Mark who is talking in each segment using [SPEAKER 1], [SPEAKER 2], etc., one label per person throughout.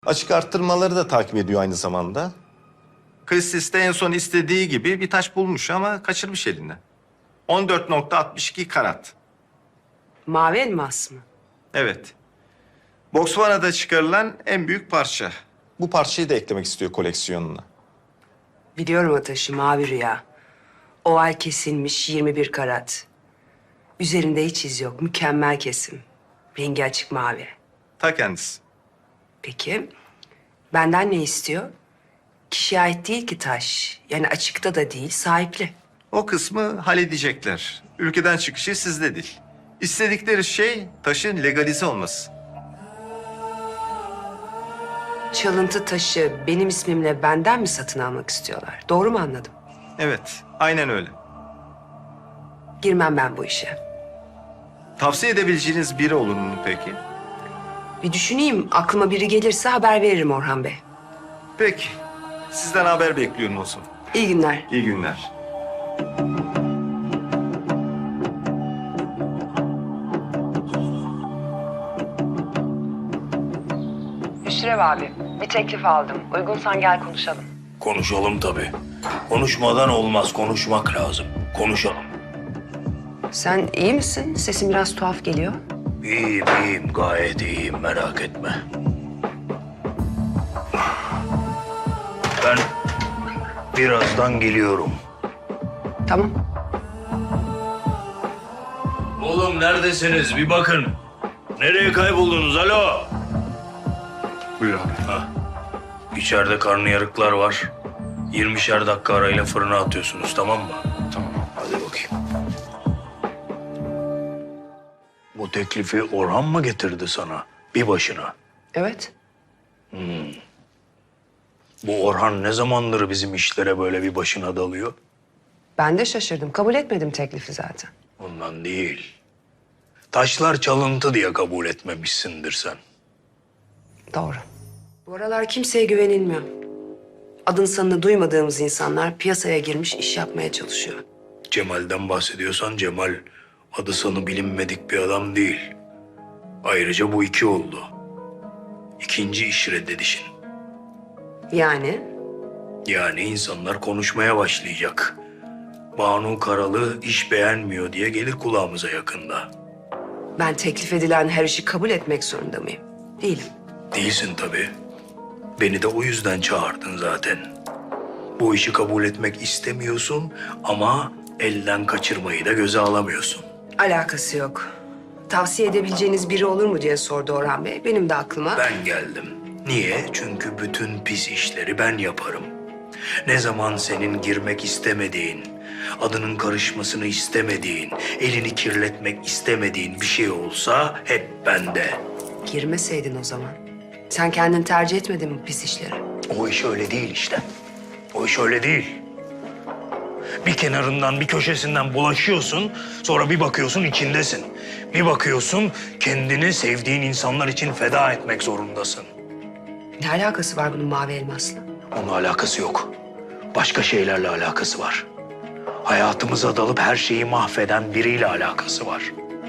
[SPEAKER 1] Açık arttırmaları da takip ediyor aynı zamanda. Kristis de en son istediği gibi bir taş bulmuş ama kaçırmış elinden. 14,62 karat.
[SPEAKER 2] Mavi elmas mı?
[SPEAKER 1] Evet. Botswana'da çıkarılan en büyük parça. Bu parçayı da eklemek istiyor koleksiyonuna.
[SPEAKER 2] Biliyorum o taşı, mavi rüya. Oval kesilmiş 21 karat. Üzerinde hiç iz yok, mükemmel kesim. Rengi açık mavi.
[SPEAKER 1] Ta kendisi.
[SPEAKER 2] Peki, benden ne istiyor? Kişiye ait değil ki taş. Yani açıkta da değil, sahipli.
[SPEAKER 1] O kısmı halledecekler. Ülkeden çıkışı sizde değil. İstedikleri şey taşın legalize olması.
[SPEAKER 2] Çalıntı taşı benim ismimle benden mi satın almak istiyorlar? Doğru mu anladım?
[SPEAKER 1] Evet, aynen öyle.
[SPEAKER 2] Girmem ben bu işe.
[SPEAKER 1] Tavsiye edebileceğiniz biri olur mu peki?
[SPEAKER 2] Bir düşüneyim, aklıma biri gelirse haber veririm Orhan Bey.
[SPEAKER 1] Peki. Sizden haber bekliyorum o zaman.
[SPEAKER 2] İyi günler.
[SPEAKER 1] İyi günler.
[SPEAKER 2] Hüsrev abi, bir teklif aldım. Uygunsan gel konuşalım.
[SPEAKER 3] Konuşalım tabii. Konuşmadan olmaz, konuşmak lazım. Konuşalım.
[SPEAKER 2] Sen iyi misin? Sesin biraz tuhaf geliyor.
[SPEAKER 3] İyiyim, iyiyim, gayet iyiyim, merak etme. Ben birazdan geliyorum.
[SPEAKER 2] Tamam.
[SPEAKER 3] Oğlum neredesiniz? Bir bakın. Nereye kayboldunuz? Alo.
[SPEAKER 1] Buyur abi.
[SPEAKER 3] Ha. İçeride karnıyarıklar var. 20'şer dakika arayla fırına atıyorsunuz, tamam mı?
[SPEAKER 1] Tamam.
[SPEAKER 3] Hadi bakayım. Bu teklifi Orhan mı getirdi sana? Bir başına.
[SPEAKER 2] Evet.
[SPEAKER 3] Bu Orhan ne zamandır bizim işlere böyle bir başına dalıyor?
[SPEAKER 2] Ben de şaşırdım. Kabul etmedim teklifi zaten.
[SPEAKER 3] Ondan değil. Taşlar çalıntı diye kabul etmemişsindir sen.
[SPEAKER 2] Doğru. Bu aralar kimseye güvenilmiyor. Adını sanını duymadığımız insanlar piyasaya girmiş iş yapmaya çalışıyor.
[SPEAKER 3] Cemal'den bahsediyorsan Cemal adı sanı bilinmedik bir adam değil. Ayrıca bu iki oldu. İkinci iş reddedişin.
[SPEAKER 2] Yani
[SPEAKER 3] Yani insanlar konuşmaya başlayacak. Banu Karalı iş beğenmiyor diye gelir kulağımıza yakında.
[SPEAKER 2] ben teklif edilen her işi kabul etmek zorunda mıyım? Değilim.
[SPEAKER 3] Değilsin tabii. Beni de o yüzden çağırdın zaten. Bu işi kabul etmek istemiyorsun ama elden kaçırmayı da göze alamıyorsun.
[SPEAKER 2] Alakası yok. Tavsiye edebileceğiniz biri olur mu diye sordu Orhan Bey. Benim de aklıma...
[SPEAKER 3] Ben geldim. Niye? Çünkü bütün pis işleri ben yaparım. Ne zaman senin girmek istemediğin, adının karışmasını istemediğin, elini kirletmek istemediğin bir şey olsa hep bende.
[SPEAKER 2] Girmeseydin o zaman. Sen kendin tercih etmedin mi pis işleri?
[SPEAKER 3] O iş öyle değil işte. O iş öyle değil. Bir kenarından, bir köşesinden bulaşıyorsun, sonra bir bakıyorsun içindesin. Bir bakıyorsun kendini sevdiğin insanlar için feda etmek zorundasın.
[SPEAKER 2] Ne alakası var bunun mavi elmasla?
[SPEAKER 3] Onunla alakası yok. Başka şeylerle alakası var. Hayatımıza dalıp her şeyi mahveden biriyle alakası var.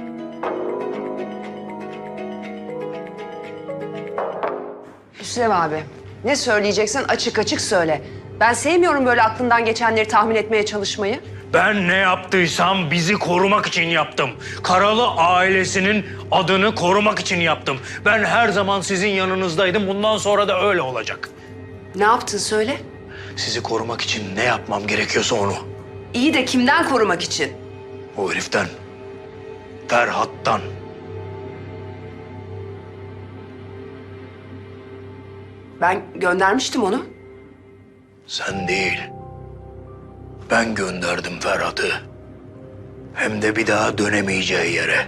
[SPEAKER 2] Hüsrev abi, ne söyleyeceksen açık açık söyle. Ben sevmiyorum böyle aklından geçenleri tahmin etmeye çalışmayı.
[SPEAKER 3] Ben ne yaptıysam bizi korumak için yaptım. Karalı ailesinin adını korumak için yaptım. Ben her zaman sizin yanınızdaydım. Bundan sonra da öyle olacak.
[SPEAKER 2] Ne yaptın söyle.
[SPEAKER 3] Sizi korumak için ne yapmam gerekiyorsa onu.
[SPEAKER 2] İyi de kimden korumak için?
[SPEAKER 3] O heriften. Ferhat'tan.
[SPEAKER 2] Ben göndermiştim onu.
[SPEAKER 3] Sen değil. Ben gönderdim Ferhat'ı. Hem de bir daha dönemeyeceği yere.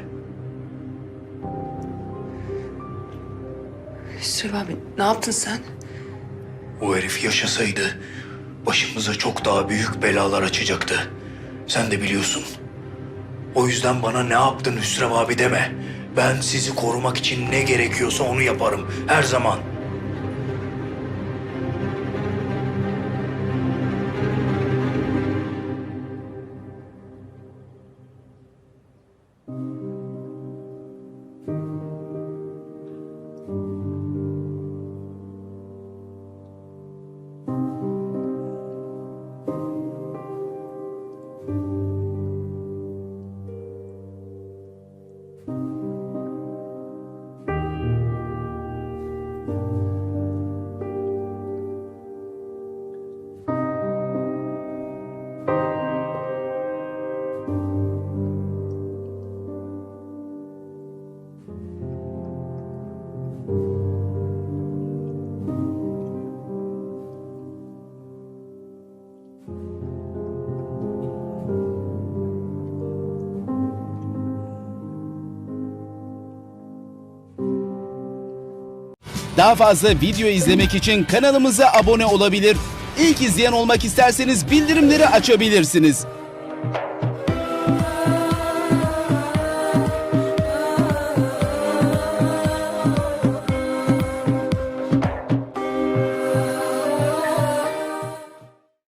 [SPEAKER 2] Hüsrev abi, ne yaptın sen?
[SPEAKER 3] O herif yaşasaydı başımıza çok daha büyük belalar açacaktı. Sen de biliyorsun. O yüzden bana ne yaptın Hüsrev abi deme. Ben sizi korumak için ne gerekiyorsa onu yaparım her zaman.
[SPEAKER 4] Daha fazla video izlemek için kanalımıza abone olabilir. İlk izleyen olmak isterseniz bildirimleri açabilirsiniz.